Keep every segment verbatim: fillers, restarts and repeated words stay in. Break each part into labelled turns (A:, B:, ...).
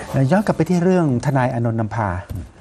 A: ย้อนกลับไปที่เรื่องทนายอานนท์นำพา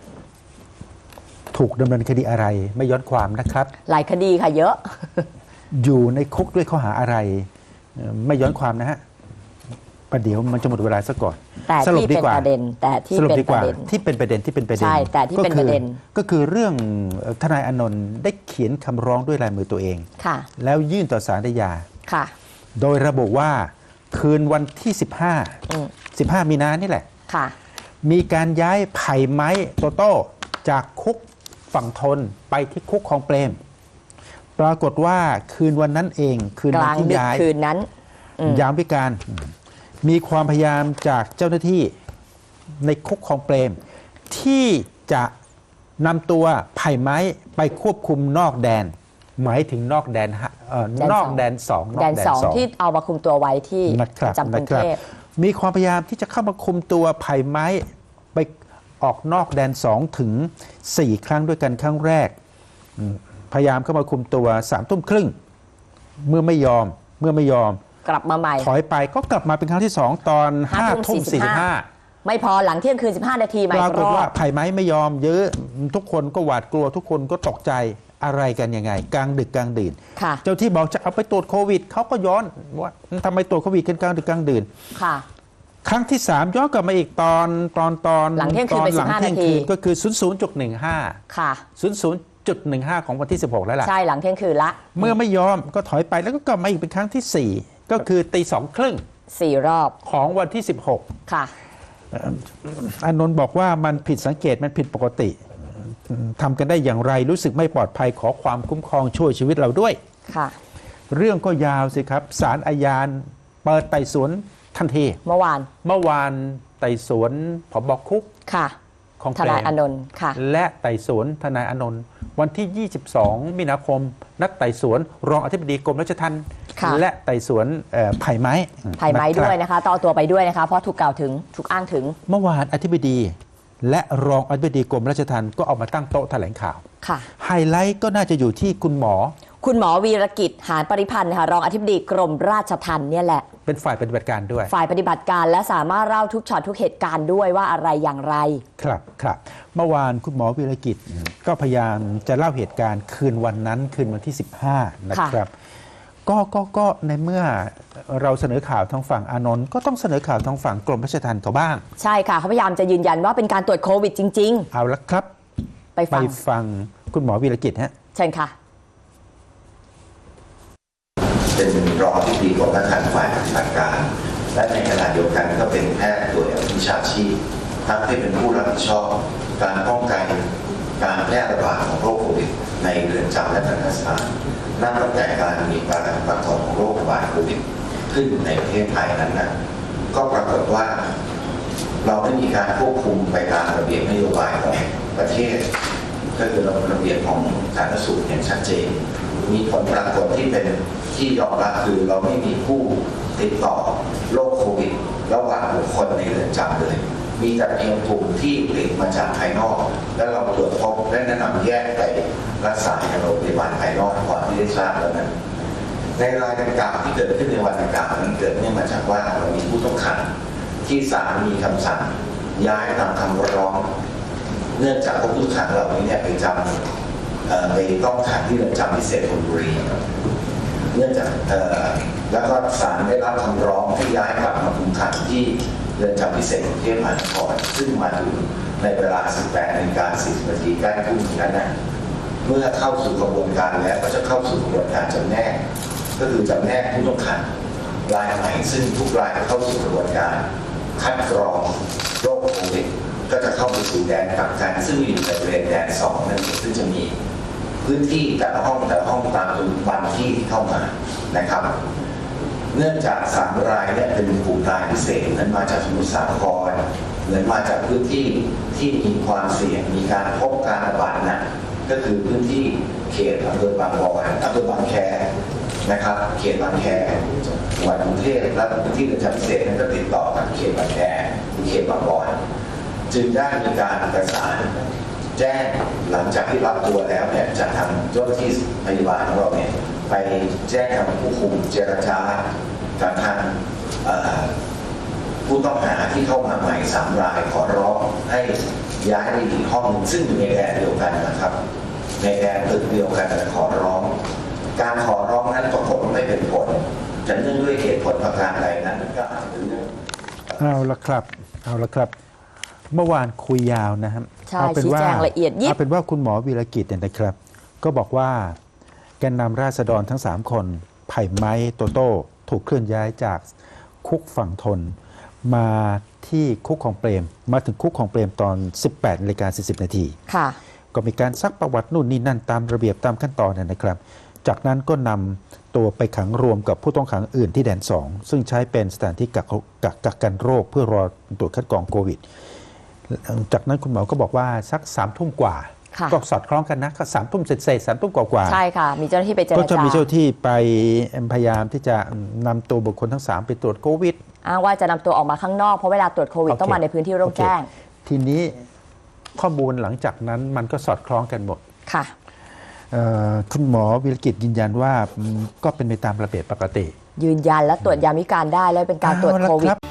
A: ถูกดำเนินคดีอะไรไม่ย้อนความนะครับ
B: หลายคดีค่ะเยอะ
A: อยู่ในคุกด้วยข้อหาอะไรไม่ย้อนความนะฮะประเดี๋ยวมันจะหมดเวลาซะก่อน
B: แต่ที่เป็นประเด็นแต่ที่เป็นประเด็น
A: ที่เป็นประเด็นที่เป็นประเด็น
B: ใช่แต่ที่เป็นประเด็น
A: ก็คือเรื่องทนายอานนท์ได้เขียนคำร้องด้วยลายมือตัวเอง
B: ค่ะ
A: แล้วยื่นต่อศาลฎีกา
B: ค่ะ
A: โดยระบุว่าคืนวันที่สิบห้า สิบห้ามีนานี่แหละ
B: ค่ะ
A: มีการย้ายไผ่ไม้โตโต้จากคุกฝั่งทนไปที่คุกคลองเปรมปรากฏว่าคืนวันนั้นเองคืนวันที่ย้าย
B: คืนนั้น
A: ยามวิกาลมีความพยายามจากเจ้าหน้าที่ในคุกคลองเปรมที่จะนำตัวไผ่ไม้ไปควบคุมนอกแดนหมายถึงนอกแดนเอ่อนอกแดนสอง
B: แดนสองที่เอามาคุมตัวไว้ที่จำกรุงเทพ
A: มีความพยายามที่จะเข้ามาคุมตัวไผ่ไม้ไปออกนอกแดนสองถึงสี่ครั้งด้วยกันครั้งแรกพยายามเข้ามาคุมตัวสามทุ่มครึ่งเมื่อไม่ยอมเมื่อไม่ยอม
B: กลับมาใหม่
A: ถอยไปก็กลับมาเป็นครั้งที่สองตอนห้าทุ่มสี่สิบห้า
B: ไม่พอหลังเที่ยงคืนสิบห้านาทีใหม่
A: ปรากฏว่าไผ่ไม้ไม่ยอมเยอะทุกคนก็หวาดกลัวทุกคนก็ตกใจอะไรกันยังไงกลางดึกกลางดื่นเจ้าที่บอกจะเอาไปตรวจโควิดเขาก็ย้อนว่าทำไมตรวจโควิดกันกลางดึกกลางดื่น
B: ค่ะ
A: ครั้งที่สามย้อนกลับมาอีกตอนตอนตอน
B: หลังเที่ยงคืนไปสิบห้านาที
A: ก็คือศูนย์ศูนย์จุดหนึ่งห้า
B: ค่ะ
A: ศูนย์ศูนย์จุดหนึ่งห้าของวันที่สิบหกแล้วล่ะ
B: ใช่หลังเที่ยงคืนละ
A: เมื่อไม่ยอมก็ถอยไปแล้วก็กลับมาอีกเป็นครั้งที่สี่ก็คือตีสองครึ่ง
B: สี่รอบ
A: ของวันที่สิบหก
B: ค่ะ
A: อานนท์บอกว่ามันผิดสังเกตมันผิดปกติทำกันได้อย่างไรรู้สึกไม่ปลอดภัยขอความคุ้มครองช่วยชีวิตเราด้วย
B: ค่ะ
A: เรื่องก็ยาวสิครับศาลอาญาเปิดไต่สวนทันที
B: เมื่อวาน
A: เมื่อวานไต่สวนผบ.คุก
B: ค่ะ
A: ของ
B: ทนายอานนท์ค่ะ
A: และไต่สวนทนายอานนท์วันที่ยี่สิบสองมีนาคมนัดไต่สวนรองอธิบดีกรมราชทัณฑ์และไต่สวนไผ่ไม้
B: ไผ่ไม้ด้วยนะคะต่อตัวไปด้วยนะคะเพราะถูกกล่าวถึงถูกอ้างถึง
A: เมื่อวานอธิบดีและรองอธิบดีกรมราชทัณฑ์ก็เอามาตั้งโต๊ะแถลงข่าว
B: ค่ะ
A: ไฮไลท์ก็น่าจะอยู่ที่คุณหมอ
B: คุณหมอวีรกิจหานปริพันธ์ค่ะรองอธิบดีกรมราชทัณฑ์เนี่ยแหละ
A: เป็นฝ่ายปฏิบัติการด้วย
B: ฝ่ายปฏิบัติการและสามารถเล่าทุกช็อตทุกเหตุการณ์ด้วยว่าอะไรอย่างไร
A: ครับครับเมื่อวานคุณหมอวีรกิจก็พยายามจะเล่าเหตุการณ์คืนวันนั้นคืนวันที่สิบห้านะครับก็ก็ก็ในเมื่อเราเสนอข่าวทางฝั่งอานนท์ก็ต้องเสนอข่าวทางฝั่งกรมราชทัณฑ์เขาบ้าง
B: ใช่ค่ะเขาพยายามจะยืนยันว่าเป็นการตรวจโควิดจริงๆ
A: เอาละครับ
B: ไปฟัง
A: ไปฟังคุณหมอวีรกิจฮะ
B: เชิญค่ะ
C: เป็นรองอธิบดีกรมราชทัณฑ์ฝ่ายปฏิบัติการและในขณะเดียวกันก็เป็นแพทย์ตัววิชาชีพทั้งที่เป็นผู้รับผิดชอบการป้องกันการแพร่ระบาดของโรคโควิดในเรือนจำและทันตสถานนับตั้งแต่การมีการระบาดของโรคระบาดโควิดขึ้นในประเทศไทยนั้นนะก็ปรากฏว่าเราได้มีการควบคุมไปตามระเบียบนโยบายของประเทศก็คือระเบียบของสาธารณสุขอย่างชัดเจนมีผลปรากฏที่เป็นที่ยอมรับคือเราไม่มีผู้ติดต่อโรคโควิดระหว่างบุคคลในเรือนจำเลยมีแต่เพียงกลุ่มที่ติดมาจากภายนอกและเราตรวจพบและแนะนำแยกไปรักษาในโรงพยาบาลภายนอกก่อนที่ได้ทราบแล้วนั้นในรายดังกล่าวที่เกิดขึ้นในวันดังกล่าวนั้นเกิดเนื่องมาจากว่าเรามีผู้ต้องขังที่ศาลมีคำสั่งย้ายตามคำร้องเนื่องจากผู้ต้องขังเหล่านี้เนี่ยไปจำไปต้องขังที่เรือนจำพิเศษธนบุรีเนื่องจากแล้วก็ศาลได้รับคำร้องให้ย้ายกลับมาคุมขังที่เรือนจำพิเศษกรุงเทพมหานครซึ่งมาถึงในเวลา สิบแปดนาฬิกาสี่สิบนาทีใกล้ทุ่มนั้นนะเมื่อเข้าสู่กระบวนการแล้วก็จะเข้าสู่กระบวนการจำแนกก็คือจำแนกผู้ต้องขังรายใหม่ซึ่งทุกรายเข้าสู่กระบวนการคัดกรองโรคโควิดก็จะเข้าไปสู่แดนกักกันซึ่งอยู่ในบริเวณแดนสองนั่นซึ่งจะมีพื้นที่แต่ละห้องแต่ละห้องตามจำนวนวันที่ที่เข้ามานะครับเนื่องจากสามรายเนี่ยเป็นกลุ่มรายพิเศษนั้นมาจากสมุทรสาครหรือมาจากพื้นที่ที่มีความเสี่ยงมีการพบการระบาดหนักก็คือพื้นที่เขตอำเภอบางบอนอำเภอบางแคนะครับเขตบางแคจังหวัดกรุงเทพและพื้นที่เรือนจำพิเศษนั้นก็ติดต่อกับเขตบางแคเขตบางบอนจึงได้มีการประสานแจ้งหลังจากที่รับตัวแล้วเนี่ยจากทางเจ้าหน้าที่พยาบาลของเราเนี่ยไปแจ้งกับผู้คุมเจรจากับทางผู้ต้องหาที่เข้ามาใหม่สามรายขอร้องให้ย้ายไปอีกห้องหนึ่งซึ่งอยู่ในแดนเดียวกันนะครับ ในแดนตึกเดียวกันแต่ขอร้อง การขอร้องนั้นปรากฏว่าไม่เป็นผลจะเนื่องด้วยเหตุผลประการใดนั้นก็อาจจะเรื่อง
A: เอาละครับ เอาละครับ เมื่อวานคุยยาวนะครับ
B: ใช่
A: เอาเป็นว่า
B: ชี้แจงละเอียดยิบ
A: เอาเป็นว่าคุณหมอวีรกิจเนี่ยนะครับ ก็บอกว่าแกนนำราษฎรทั้ง สาม คนไผ่ไม้โตโต้ถูกเคลื่อนย้ายจากคุกฝั่งทน มาที่คุกของเปรม มาถึงคุกของเปรมตอน สิบแปดนาฬิกาสี่สิบนาที
B: ค่ะ
A: ก็มีการซักประวัตินู่นนี่นั่นตามระเบียบตามขั้นตอนนะครับ จากนั้นก็นำตัวไปขังรวมกับผู้ต้องขังอื่นที่แดนสองซึ่งใช้เป็นสถานที่กักกักกักกันโรคเพื่อรอตรวจคัดกรองโควิด จากนั้นคุณหมอก็บอกว่าสักสามทุ่มกว่า
B: ค่ะ
A: ก็สอดคล้องกันนะก็สามทุ่มเสร็จเสร็จสามทุ่มกว่าๆ
B: ใช่ค่ะ มีเจ้าหน้าที่ไปเจร
A: ก็จะ
B: จา
A: มีเจ้าที่ไปพยายามที่จะนำตัวบุคคลทั้งสามไปตรวจโควิด
B: อ้างว่าจะนำตัวออกมาข้างนอกเพราะเวลาตรวจโควิด
A: โอเค
B: ต้องมาในพื้นที่โล่งแจ้ง
A: โอเคทีนี้ข้อมูลหลังจากนั้นมันก็สอดคล้องกันหมด
B: ค่ะ
A: เอ่อคุณหมอวิรกิจยืนยันว่าอืมก็เป็นไปตามระเบียบปกติ
B: ยืนยันและตรวจยามวิการได้และเป็นการตรวจ
A: เอาละ
B: โควิ
A: ค
B: ด
A: รับ